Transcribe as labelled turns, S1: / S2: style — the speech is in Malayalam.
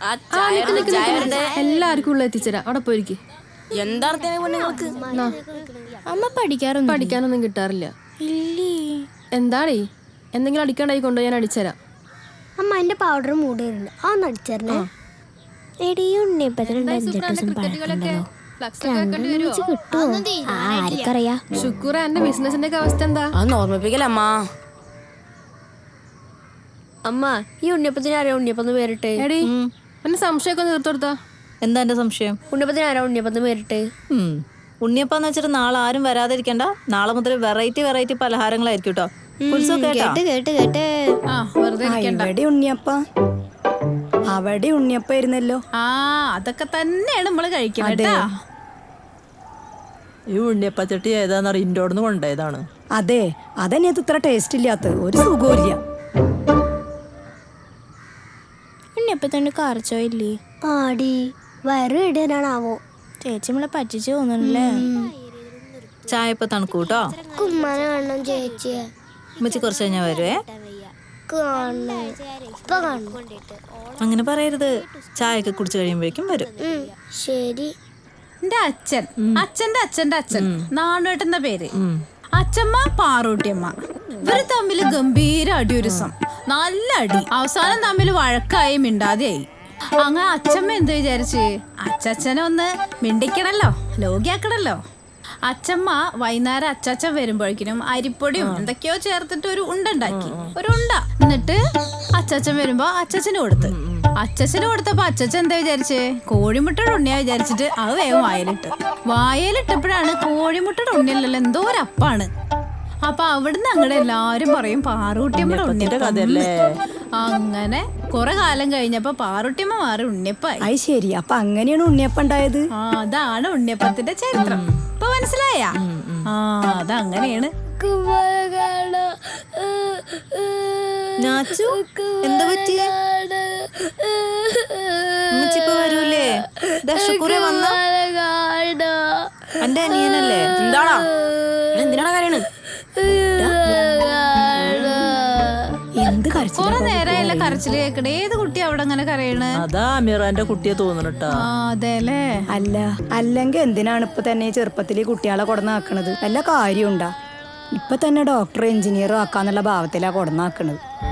S1: എല്ലാവർക്കും ഉള്ള എത്തിച്ചേരാ. അവിടെ പോയിരിക്കും. പഠിക്കാനൊന്നും കിട്ടാറില്ല. എന്താടേ എന്തെങ്കിലും അടിക്കണ്ടായി കൊണ്ടു ഞാൻ അടിച്ചരാം.
S2: അമ്മ എന്റെ പൗഡർ മൂടുണ്ട്, അതൊന്ന് അടിച്ചേരണേ.
S1: ശുക്കൂറ എന്റെ ബിസിനസിന്റെ ഒക്കെ അവസ്ഥ എന്താ?
S3: ഓർമ്മിപ്പിക്കലമ്മ.
S2: അമ്മ ഈ ഉണ്ണിയപ്പത്തിന് ആരാ ഉണ്ണിയപ്പം പേരിട്ട്?
S1: എടീ എന്നെ സംശയമൊക്കെ തീർത്തെടുത്താ.
S4: എന്താ എന്റെ സംശയം?
S2: ഉണ്ണിയപ്പത്തിന് ആരാ ഉണ്ണിയപ്പം പേരിട്ട്?
S4: ഉണ്ണിയപ്പാന്ന് വെച്ചിട്ട് നാളെ ആരും വരാതിരിക്കണ്ട. നാളെ മുതൽ വെറൈറ്റി പലഹാരങ്ങളായിരിക്കും കേട്ടോ.
S5: അവിടെ ഉണ്ണിയപ്പായിരുന്നല്ലോ.
S4: അതൊക്കെ തന്നെയാണ് നമ്മള് കഴിക്കുന്നത്.
S3: ഈ ഉണ്ണിയപ്പച്ചട്ടി ഏതാന്ന് ഇൻഡോർന്ന് കൊണ്ടുപോയതാണ്.
S5: അതെ, അതന്നെ അത് ഇത്ര ടേസ്റ്റ് ഇല്ലാത്ത ഒരു സുഖമില്ല.
S6: ഉണ്ണിയപ്പത്തന്നെ കറച്ചോ ഇല്ലേ?
S2: ആടി വയറ് ഇടാനാണാവോ?
S6: ചേച്ചി നമ്മളെ പറ്റിച്ചു തോന്നണല്ലേ.
S4: ചായ ഇപ്പൊ തണുക്കൂട്ടോ.
S2: കുമ്മാനെ കാണണം ചേച്ചിയെ.
S4: ഉമ്മച്ചി കുറച്ച് കഴിഞ്ഞാ വരുവേ. അങ്ങനെ പറയരുത്. ചായയൊക്കെ കുടിച്ചു കഴിയുമ്പോഴേക്കും വരും.
S2: ശരി.
S4: എന്റെ അച്ഛന്റെ അച്ഛൻ നാണുവേട്ടെന്ന പേര്. അച്ഛമ്മ പാറൂട്ടിയമ്മ. ഇവര് തമ്മിൽ ഗംഭീര അടിയൊരുസം, നല്ല അടി. അവസാനം തമ്മിൽ വഴക്കായി മിണ്ടാതെയായി. അങ്ങനെ അച്ഛമ്മ എന്ത് വിചാരിച്ച്, അച്ഛനെ ഒന്ന് മിണ്ടിക്കണല്ലോ, ലോകിയാക്കണല്ലോ. അച്ഛമ്മ വൈകുന്നേരം അച്ചാച്ചൻ വരുമ്പോഴേക്കിനും അരിപ്പൊടിയും എന്തൊക്കെയോ ചേർത്തിട്ട് ഒരു ഉണ്ടാക്കി. എന്നിട്ട് അച്ചാച്ചൻ വരുമ്പോ അച്ചാച്ചന് കൊടുത്തപ്പോ അച്ചാച്ചൻ എന്താ വിചാരിച്ചേ, കോഴിമുട്ടയുടെ ഉണ്ണിയാ വിചാരിച്ചിട്ട് അത് വേഗം വായലിട്ടപ്പോഴാണ് കോഴിമുട്ടയുടെ ഉണ്ണിയല്ലല്ലോ, എന്തോ ഒരു അപ്പാണ്. അപ്പൊ അവിടുന്ന് അങ്ങടെ എല്ലാരും പറയും പാറൂട്ടിയമ്മയുടെ ഉണ്ണിയപ്പല്ലേ. അങ്ങനെ കുറെ കാലം കഴിഞ്ഞപ്പോ പാറൂട്ടിയമ്മ മാറി ഉണ്ണിയപ്പായി.
S5: അത് ശരി. അപ്പൊ അങ്ങനെയാണ് ഉണ്ണിയപ്പം ഉണ്ടായത്.
S4: അതാണ് ഉണ്ണിയപ്പത്തിന്റെ ചരിത്രം. ഇപ്പൊ മനസ്സിലായ? അതങ്ങനെയാണ്. എന്താ പറ്റിയേ? വരൂലേ? എന്റെ അനിയനല്ലേ?
S3: എന്താടാ എന്തിനാണ് കാര്യണ്?
S4: കൊറേ നേരമായില്ല കരച്ചില് കേക്കണേ. ഏത് കുട്ടി അവിടെ അങ്ങനെ കരയണ്?
S3: അതാ അമീറാന്റെ കുട്ടിയെ തോന്നണട്ടാ.
S4: അതെല്ലേ.
S5: അല്ലെങ്കിൽ എന്തിനാണ് ഇപ്പൊ തന്നെ ചെറുപ്പത്തിൽ കുട്ടികളെ കൊടന്നാക്കണത്? വല്ല കാര്യമുണ്ടാ? ഇപ്പൊ തന്നെ ഡോക്ടർ എഞ്ചിനീയറും ആക്കാന്നുള്ള ഭാവത്തിലാ കൊടന്നാക്കണത്.